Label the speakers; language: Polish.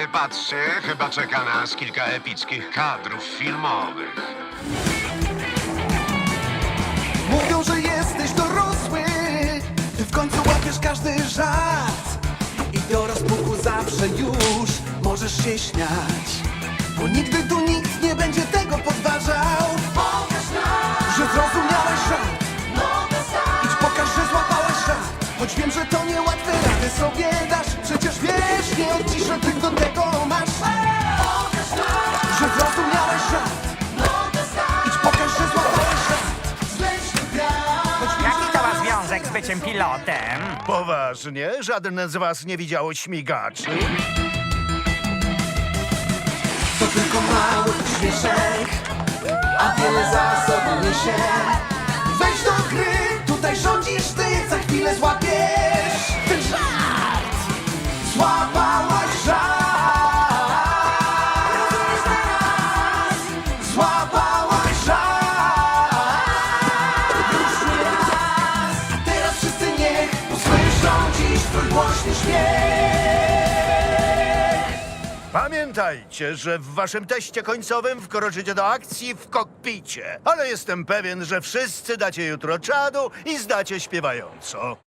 Speaker 1: patrzcie, chyba czeka nas kilka epickich kadrów filmowych.
Speaker 2: Mówią, że jesteś dorosły, ty w końcu łapiesz każdy żart i do rozpuku zawsze już możesz się śmiać, bo nigdy tu nikt nie będzie tego podważał. Pokaż nam, że zrozumiałeś żart. Idź pokaż, że złapałeś żart, choć wiem, że to niełatwe, rady sobie dasz. Przecież wiesz, nie odciszę, ty do tego masz. Pokaż nam, że zrozumiałeś żart. Idź pokaż, że złapałeś żart. Zleśny wiatr.
Speaker 3: Jaki to ma związek z byciem pilotem?
Speaker 4: Poważnie? Żaden z was nie widział śmigaczy?
Speaker 2: To tylko mały śmieszek, a wiele za sobą niesie. Wejdź do gry, tutaj rządzisz ty, za chwilę złapiesz ten żart. Złapałaś żart. Złapałaś żart. Już nie raz, teraz wszyscy niech usłyszą dziś twój głośny śmiech.
Speaker 4: Pamiętajcie, że w waszym teście końcowym wkroczycie do akcji w kokpicie. Ale jestem pewien, że wszyscy dacie jutro czadu i zdacie śpiewająco.